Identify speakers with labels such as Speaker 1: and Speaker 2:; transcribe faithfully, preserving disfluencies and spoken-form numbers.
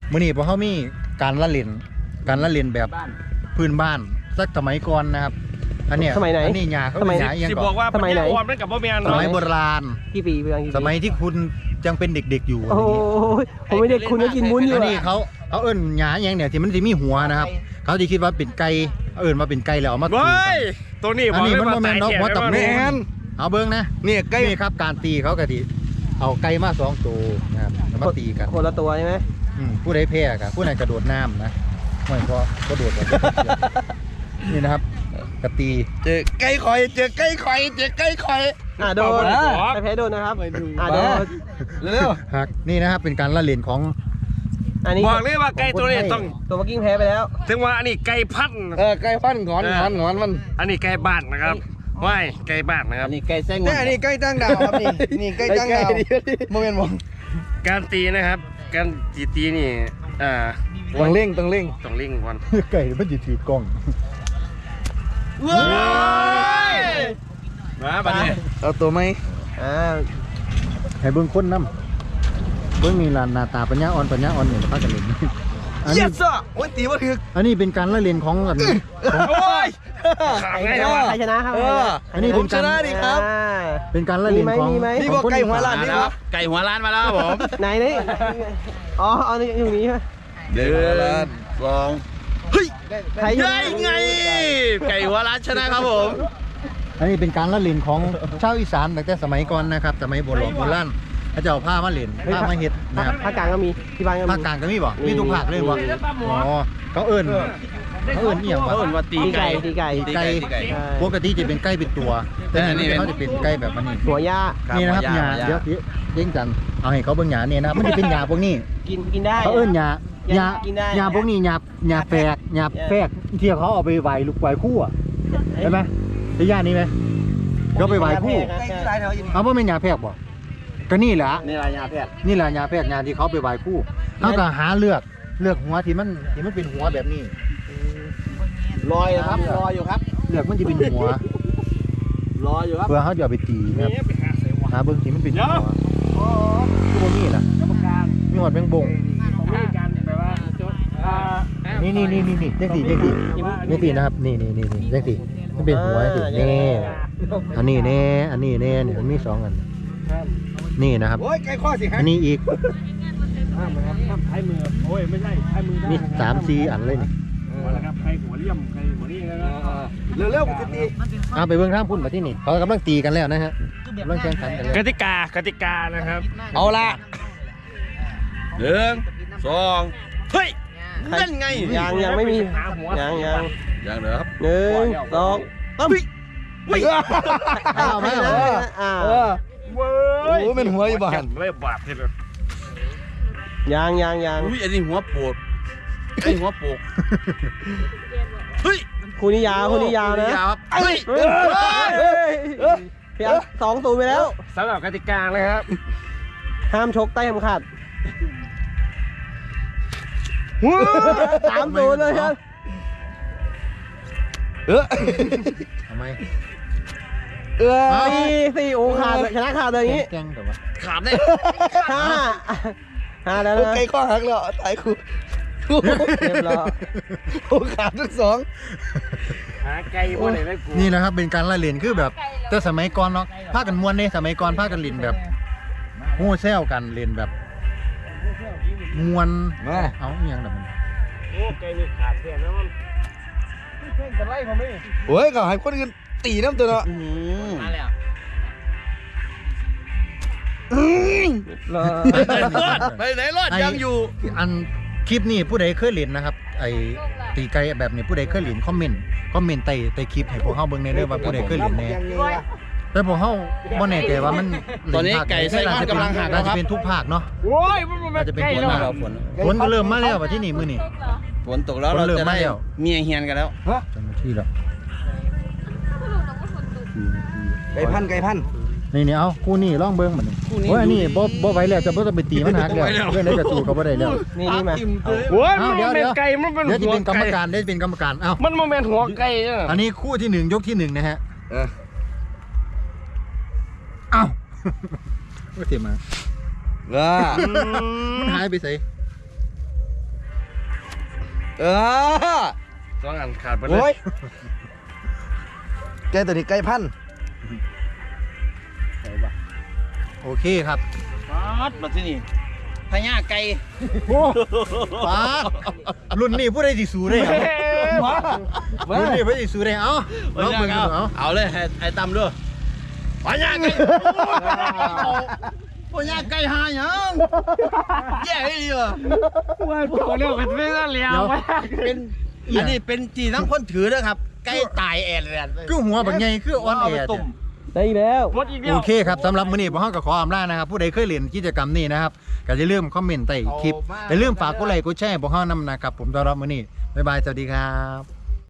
Speaker 1: มื้อนี้พวกเขามีการละเล่นการละเล่นแบบพื้นบ้านสักสมัยก่อนนะครับอันเนี้ย
Speaker 2: สมัยไหน
Speaker 1: อันนี้หญ้าเขา
Speaker 2: สมัย
Speaker 1: หญ้าเอียง
Speaker 3: สิ
Speaker 1: ก่
Speaker 3: บ
Speaker 1: อ
Speaker 3: อน กว่า
Speaker 2: สมัยไหน
Speaker 3: ออมนั่นกับบ่แม่น
Speaker 1: สมัยโบราณ
Speaker 2: กี่ปีเพื่อนกี่ปี
Speaker 1: สมัยที่คุณยังเป็นเด็กๆอยู่
Speaker 2: โอ้ยผมไม่เด็กคุณก็กินวุ้นอยู่
Speaker 1: อัน
Speaker 2: อะ
Speaker 1: นี้เขาเขาเอิ้นหญ้าเอียงเนี่ยที่มันจะมีหัวนะครับเขาจะคิดว่าเป็นไก่เอิ้นว่าเป็นไก่แล้วเอามาตี
Speaker 3: เว้
Speaker 1: กัน
Speaker 3: ยตัวนี้
Speaker 1: อันนี้มันบ่แม่นดอกหัวตะ
Speaker 3: แม่
Speaker 1: แมนเอาเบิ้งนะ
Speaker 4: เนี่ยใกล้
Speaker 1: นี่ครับการตีเขากะทิเอาไก่มาสองตัวนะครับแล้วมาตีกัน
Speaker 2: คนละตัวใช่ไหม
Speaker 1: อืมผู้ใดแพ้กันผู้นั้นกระโดดน้ำนะไม่พอกระโดดแบบนี่นะครับกระตี
Speaker 4: เจอใกล้คอยเจอใกล้คอยเจอใกล้คอย
Speaker 2: อ่ะโดนแต่แพ้โดนนะครับอ่ะโดน
Speaker 4: เร็ว
Speaker 1: หักนี่นะครับเป็นการละเล่นของ
Speaker 2: อันนี้
Speaker 3: บอกเลยว่าไก่ตัวนี้ต้อง
Speaker 2: ตัวเมื่อกี้แพ้ไปแล้ว
Speaker 3: ถึงว่าอันนี้ไก่พันธุ์
Speaker 4: เออใกล้ฟันงอนงอนงอนมัน
Speaker 3: อันนี้ไก่บ้านนะครับว่ายไก่บ้านนะครับ
Speaker 2: อันนี้ไก่แซง
Speaker 4: เนี่ยนี่ใกล้ตั้งดาวครับนี่นี่ใกล้ตั้งดาวโมเมนต์มอง
Speaker 3: การตีนะครับ การตีตีนี่อ่า
Speaker 4: ต้องเร่งต้องเร่ง
Speaker 3: ต้องเล่งก่อน
Speaker 1: ไก่มันจะถือกล้อง
Speaker 3: ว้ายมาบัดนี้
Speaker 4: เอาตัวไหม
Speaker 2: อ่า
Speaker 1: ให้เบิ้งคนน้ำเบิ้งนี่ลานหน้าตาปัญญาอ่อนปัญญาอ่อนเนี่ยพากันเล่นอัน
Speaker 4: เย
Speaker 1: นี้
Speaker 4: สอ่ะโอ้ยตีว่าถึก
Speaker 1: อันนี้เป็นการละเล่นของอันของ
Speaker 3: โอ้ยขาไงนะวะ
Speaker 2: ใครชนะครับ
Speaker 4: เออ
Speaker 1: อันนี้
Speaker 4: ผ
Speaker 1: เป็
Speaker 4: ม
Speaker 1: น
Speaker 4: ช
Speaker 1: การ
Speaker 4: นะดิครับ
Speaker 2: อ่า
Speaker 1: เป็นการละเล่นของ
Speaker 2: มีไหมมีไหม
Speaker 4: นี่บอกไก่หัวล้านนี่ครับ
Speaker 3: ไก่หัวล้านมาแล้วครับผม
Speaker 2: ไหนนี่อ๋อเอาอยู่นี้ใช่ไหม
Speaker 4: เดือนสอง
Speaker 2: ใครอยู่
Speaker 3: ได้ไง ไก่หัวล้านชนะครับผม
Speaker 1: อันนี้เป็นการละเล่นของชาวอีสานตั้งแต่สมัยก่อนนะครับสมัยโบราณโบราณเขาจะเอาผ้ามาเล่นผ้ามาเฮ็ดนะครับ
Speaker 2: ภาคกลางก็มีที่บ้านก็มี
Speaker 1: ภาคกลางก็มีบ่
Speaker 2: มี
Speaker 1: มีทุกภาคเลยบ่อ๋อเขาเอิ้นเขาเอิ้นเอียงวะ
Speaker 3: เขาเอิ้นว่าตี
Speaker 2: ตีไก่
Speaker 3: ไก่
Speaker 2: ตีไก่
Speaker 1: ไก่
Speaker 2: ใช่
Speaker 1: ปกติจะเป็นไก่เป็นตัว แต่อันนี้เขาจะเป็นไก่แบบนี้
Speaker 2: หัวย่า
Speaker 1: นี่นะครับหญ้าเดี๋ยวเด้งจันเอาให้เขาเบิ่งหญ้าเนี่ยนะครับมันจะเป็นหญ้าพวกนี้
Speaker 2: กินกินได้
Speaker 1: เขาเอิ้นหญ้าหญ้า
Speaker 2: กินได้
Speaker 1: หญ้าพวกนี้หญ้าหญ้าแฝกหญ้าแฝกที่เขาเอาไปไหว้ลูกไหว้คู่อะเห็นไหมได้หญ้านี้ไหมเขาไปไหว้คู่
Speaker 4: ใกล้ที่ไรแถวยิน
Speaker 1: เอาว่าเป็นหญ้าแฝกบ่ก็นี่แหละ
Speaker 4: นี่รายยาแพทย์
Speaker 1: นี่แหละหญ้าแฝกหญ้าที่เขาไปไหว้คู่เขาก็หาเลือกเลือกหัวที่มันที่มันเป็นหัวแบบนี้
Speaker 4: ลอยครับลอยอยู่ครับ
Speaker 1: เลือกมันจะเป็นหัว
Speaker 4: รออยู่ครับ
Speaker 1: เพื่อเขาจะเอาไปตีครับหาเบิ้งที่มันเป็นหัวคือบ่มีน่ะมีหอดแมงบงนี่นี่นี่นี่นี่จังสีจังสีจังสีนะครับนี่นี่นี่นี่จังสีมันเป็นหัวสินี่อันนี้แน่อันนี้แน่เนี่ยมันมีสองอันนี่นะครับ
Speaker 4: โอ้ยใกล้ข้อสิฮะ
Speaker 1: อันนี้อีก
Speaker 3: ห้ามนะครับห้ามใช้มือโอ้ยไม่ใช่ใช้มือได้
Speaker 1: มีสามสี่อันเลยนี่
Speaker 3: นะครับใครหัวเลี่ยมใครหัวนี่นะครับ
Speaker 4: เร็วๆผมจะตี
Speaker 1: เอาไปเบิ้งท่ามพุ่นมาที่นี่เขากำลังตีกันแล้วนะฮะกำลังแข่งขันกันแล้ว
Speaker 3: กติกากติกานะครับ
Speaker 4: เอาละหนึ่งสอง
Speaker 3: เฮ้ยนั่นไง
Speaker 2: ยังยังไม่มียังยัง
Speaker 4: อย่างเดียวครับ
Speaker 2: หนึ่งสอง
Speaker 4: เฮ้ย
Speaker 1: เอาไหมเอาไหม
Speaker 2: อ่า
Speaker 4: เออ
Speaker 3: เว้
Speaker 4: โอ้เป็นหัวอยู่บ้าน
Speaker 3: เลยบาดทีเดียว
Speaker 2: ยังยังยัง
Speaker 4: อุ้ยอันนี้หัวโปดไอ้หัวโปกเฮ้ย
Speaker 2: คู่นี้ยาวคู่นี้ยาวนะ
Speaker 4: ยาวครับเฮ้ย
Speaker 2: เฮ้ยเฮ้ยพี่อันสองศูนย์ไปแล้ว
Speaker 3: สำหรับกติกานะครับ
Speaker 2: ห้ามชกใต้เข็มขัดสามศูนย์เลยครับ
Speaker 4: เออ
Speaker 1: ทำไม
Speaker 4: เออ
Speaker 2: สี่สี่โอ้ขาดเลยชนะขาดเลยอย่างนี้
Speaker 1: แกล้งแต่ว่า
Speaker 4: ขาดได้
Speaker 2: ห้าห้าแล้วนะ
Speaker 4: ไก่ข้อหักแล้วตายครู
Speaker 2: เรียบร้อย
Speaker 4: โอ้ขาดทั้งสอง
Speaker 3: หาไก่บ่ได้เลยกู
Speaker 1: นี่นะครับเป็นการละเล่นคือแบบแต่สมัยก่อนเนาะพากันมวนเนี่ยสมัยก่อนพากันเล่นแบบโห่แซวกันเล่นแบบมวน
Speaker 4: มา
Speaker 1: เอาอหย่างแบบมัน
Speaker 3: โอ้ไก่นี่ขาดแค่นั้นมันเพ่งกันไล่ผมไม่
Speaker 4: โอ้ยก็ให้คนอื่นตีน้ำตัวเนาะ
Speaker 3: มาแล้ว
Speaker 4: ไปไหนรอดยังอยู่
Speaker 1: อันคลิปนี้ผู้ใดเคยเล่นนะครับไอ้ตีไก่แบบนี้ผู้ใดเคยเล่นคอมเมนต์คอมเมนต์ใต้ใต้คลิปให้พวกเฮาเบิ่งในเด้อว่าผู้ใดเคยเล่นแน่แต่พวกเฮาบ่แน่ใจว่ามัน
Speaker 4: ตอนนี้ไก่ไส้ก้อนกำลังหักแล้วครับ
Speaker 1: น่าจะเป็นทุกภาคเนาะ
Speaker 3: โอ้ยมันมัน
Speaker 1: น่าจะเป็น
Speaker 3: ไก่
Speaker 1: ผล
Speaker 3: แล้ว
Speaker 1: มา
Speaker 3: อะ
Speaker 4: ฝน
Speaker 1: ฝนก็เริ่มมาแล้วว่าที่นี่มื้อนี้
Speaker 4: ฝนตกแล้ว
Speaker 1: ฝน
Speaker 4: เรา
Speaker 1: เริ่ม
Speaker 4: จะ
Speaker 1: มา
Speaker 4: ได้
Speaker 1: แล้ว
Speaker 4: เมียเฮียนกันแล้ว
Speaker 1: จังที่แล้ว
Speaker 4: ไก่พันไก่พัน
Speaker 1: นี่นี่เอาคู่นี้ลองเบิ่งบัดนี้
Speaker 4: คู่นี้
Speaker 1: โอ้ยอันนี้บ่บ่ไหวแล้วจะบ่ต้องไปตีมันหักแล้ว
Speaker 4: บ่ไหวแล้ว
Speaker 1: เรื่องใดก็สู้เขาบ่ได้แล้ว
Speaker 2: นี่นี่มา
Speaker 3: โอ้ย
Speaker 1: เอา
Speaker 3: มัน
Speaker 1: เดี๋ยว
Speaker 3: เป็น
Speaker 1: เดี๋ยว
Speaker 3: ไก่มันเป็น
Speaker 1: เดี๋ยวจะ
Speaker 3: หัว
Speaker 1: เป็นกรรม
Speaker 3: ไก่
Speaker 1: การเดี๋ยวจะเป็นกรรมการเอ้า
Speaker 3: มันมันเป็นหัวไก่อะ
Speaker 1: อันนี้คู่ที่หนึ่งยกที่หนึ่งนะฮะ
Speaker 4: เออ
Speaker 1: เอ้าก็เสียมา
Speaker 4: ว่า
Speaker 1: มันหายไปใส่
Speaker 2: เออ
Speaker 4: สองอันขาดไปเล
Speaker 2: โอ้
Speaker 4: ย
Speaker 2: ยไก่ตัวนี้ไก่พันธุ์
Speaker 1: โอเคครับ
Speaker 4: ปัดมาที่นี่พญาไก่
Speaker 1: ปาดรุ่นนี้ผู้ใดสิสู้ได้ครับ
Speaker 2: มามา
Speaker 1: รุ่นนี้ผู้ใดสิสู้ได้เอ้าน้องเบิ่งกันดูเอ้า
Speaker 4: เอาเลยให้ให้ตำด้วยพญาไก่พญาไก่หาหยังแย่เลยอ่ะ
Speaker 3: ว่าพวกเรื่องมันไม่ได้เลี้ยว
Speaker 1: เดี๋ยว
Speaker 4: เป็นอันนี้เป็นจีทั้งคนถือนะครับไก่ตายแอนแลน
Speaker 1: คือหัวบักใหญ่คืออ่อนแอ
Speaker 4: ตุ่ม
Speaker 2: ได้แล้ว
Speaker 3: หมดอีกเดีย
Speaker 1: โอ
Speaker 3: ว
Speaker 1: เคครับสำหรับมื้อนี้พวกเราก็ขออำลานะครับผู้ใดเคยเล่นกิจกรรมนี้นะครับก็อย่าลืมคอมเมนต์ใต้คลิปอย่าลืมฝากกดไลค์กดแชร์พวกเรานำนะครับผมสำหรับมื้อนี้บ๊ายบายสวัสดีครับ